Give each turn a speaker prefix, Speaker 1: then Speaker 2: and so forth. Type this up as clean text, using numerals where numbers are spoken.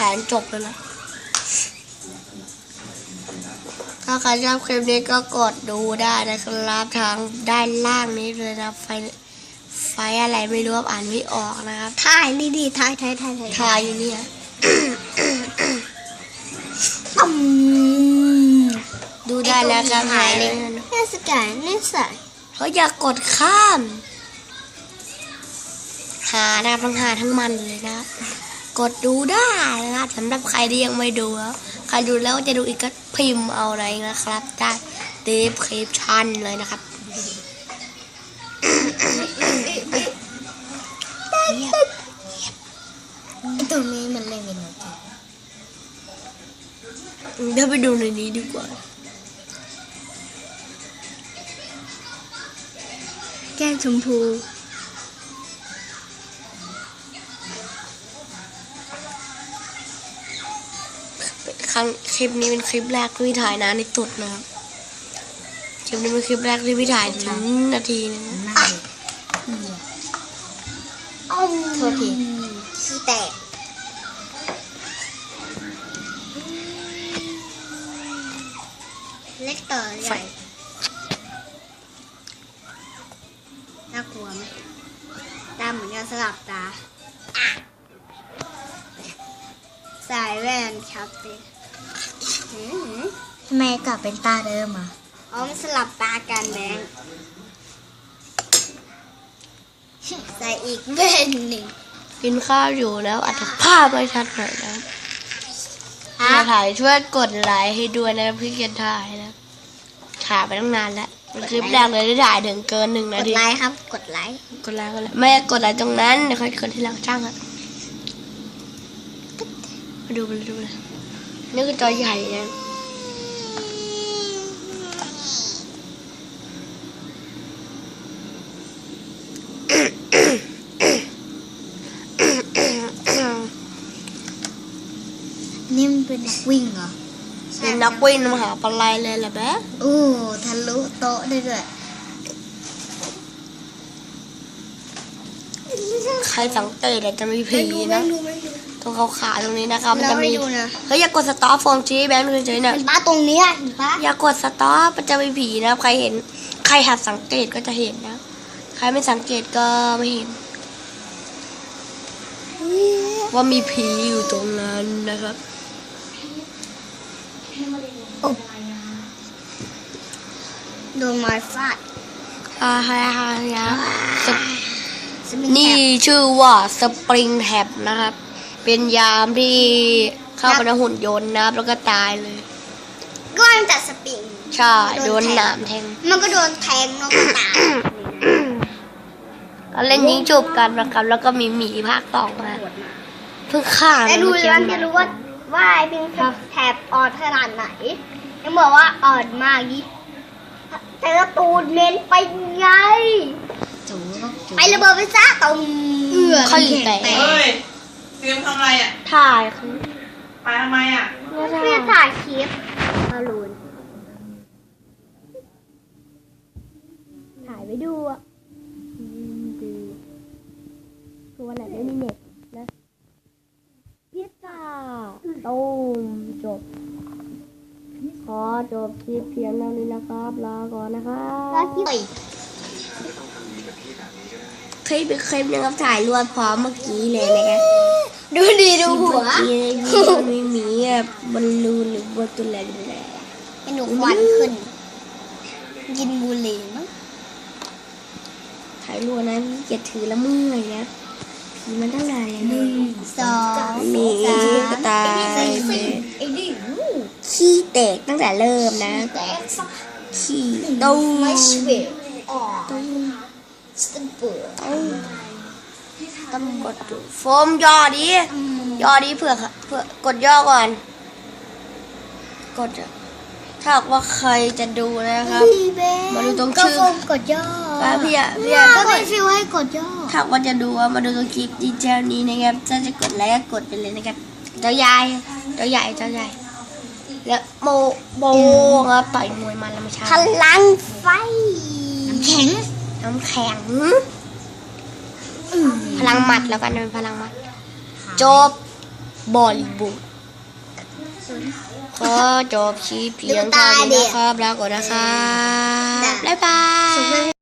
Speaker 1: นจบแล้วนะถ้าใครชอบคลิปนี้ก็กดดูได้นะครับทางด้านล่างนี้เลยนะไฟอะไรไม่รู้อ่านไม่ออกนะครับ
Speaker 2: ถ่ายนี่ดิถ่าย
Speaker 1: อยู่เนี่ยดูได้แล้วครับหายเลย
Speaker 2: นี่สกายนี่ใส่
Speaker 1: เขาอยากกดข้ามหานะทั้งหาทั้งมันเลยนะกดดูได้นะครับสำหรับใครที่ยังไม่ดูแล้วใครดูแล้วจะดูอีกก็พิมพ์เอาอะไรนะครับได้descriptionเลยนะครับ
Speaker 2: ตรงนี้มันเลยเป็น
Speaker 1: เดี๋ยวไปดูในนี้ดีกว่า
Speaker 2: แก้มชมพู
Speaker 1: คลิปนี้เป็นคลิปแรกที่ถ่ายนานในสุดนะครับคลิปนี้เป็นคลิปแรกที่พี่ถ่ายถึงนาทีนึง
Speaker 2: โทษทีขี้แตกเล็กต่อใหญ่น่ากลัวไหมตาเหมือนกันสลับตาสายแว่นครับทำไมกลับเป็นตาเดิมอ่ะอ๋อมันสลับตากันแบงใส่อีกแว่นหนึ่ง
Speaker 1: กินข้าวอยู่แล้วอาจจะภาพไม่ชัดหน่อยนะมาถ่ายช่วยกดไลค์ให้ด้วยนะพี่เกียรติถ่ายนะถ่ายไปตั้งนานแล้วเป็นคลิปแรกเลยที่ถ่ายถึงเกิน1 นาที
Speaker 2: กดไลค์ครับกดไลค์
Speaker 1: ไม่กดไลค์ตรงนั้นเดี๋ยวค่อยกดที่หลังช่างอ่ะมาดูเลยนี่คือจอใหญ่นะ
Speaker 2: นี่มันเป็นนักวิ่งเหรอ
Speaker 1: เป็นนักวิ่งมหาปลัยเลยแหละแบ๊
Speaker 2: โอ้ทะลุโต๊ะได้ด้วย
Speaker 1: ใครสังเกตจะมีผีนะตรงเขาขาตรงนี้นะครับมันจะมีเฮ้ยอย่ากดสต็อปฟองชี้แบงค์เฉยๆนะ
Speaker 2: ป้าตรงนี้ป้า
Speaker 1: อย่ากดสต็อปมันจะมีผีนะใครเห็นใครหัดสังเกตก็จะเห็นนะใครไม่สังเกตก็ไม่เห็นว่ามีผีอยู่ตรงนั้นนะครับ
Speaker 2: โดนไม้ฟาด
Speaker 1: นี่ชื่อว่าสปริงแท็บนะครับเป็นยามที่เข้าไปในหุ่นยนต์นะแล้วก็ตายเลย
Speaker 2: ก็มันจัดสปริง
Speaker 1: ใช่โดนหนามแทง
Speaker 2: มันก็โดนแทงแล้วก็ตาย
Speaker 1: ก็เล่นยิงจูบกันนะครับแล้วก็มีหมีภาคต่อมาเพิ่งฆ่า
Speaker 2: แต่ดูแล้วจะรู้ว่าไอ้พิงแถบอ่อนขนาดไหนยังบอกว่าอ่อนมากยิ่งแต่ละตูนเน้นไปไงไประเบิดไปซะตรง
Speaker 1: เขาอยู่แต่
Speaker 3: เฮ้ยเตรียมทำอะไรอ่ะ
Speaker 1: ถ่ายคือ
Speaker 3: ไปทำไมอ่ะ
Speaker 2: เพื่อถ่ายคลิปบอลลูนถ่ายไปดูอ่ะ
Speaker 1: คือวันไหนไม่มีเน็ตนะพิซซ่าตูมจบขอจบคลิปเพียงเท่านี้นะครับลาก่อนนะครับคลิปเป็นคลิปนะครับถ่ายรวดพร้อมเมื่อกี้เลยนะครับ
Speaker 2: ดูดีดูหัว
Speaker 1: มีหมีบอลลูนหรือบอลตัวอะไร
Speaker 2: ให้หนูควันขึ้นกินบุหรี่มั้ง
Speaker 1: ถ่ายรวดนะพี่เกียรติถือละเมื่อยนะผีมันตั้งไหน
Speaker 2: 1 2
Speaker 1: มีกระต่ายขี้แตกตั้งแต่เริ่มนะขี้ตู้ต้องกดโฟมย่อดีเผื่อกดย่อก่อนกดถ้าว่าใครจะดูนะครับมาดูตรงชื่
Speaker 2: อกดย่อ
Speaker 1: พี่
Speaker 2: ก็เป็นฟิวให้กดย่อ
Speaker 1: ถ้าว่าจะดูมาดูตรงคลิปดีเจนี้นะครับถ้าจะกดไลค์ก็กดไปเลยนะครับเจ้าใหญ่แล้วโบครับต่อยมวยมันแล้วไม่ใช่
Speaker 2: พลังไฟน้ำแข็ง
Speaker 1: พลังหมัดแล้วกันเป็นพลังหมัดจบบอลลีวูดขอจบชีพเพียงเท่านี้นะครับลาก่อนนะครับบ๊ายบาย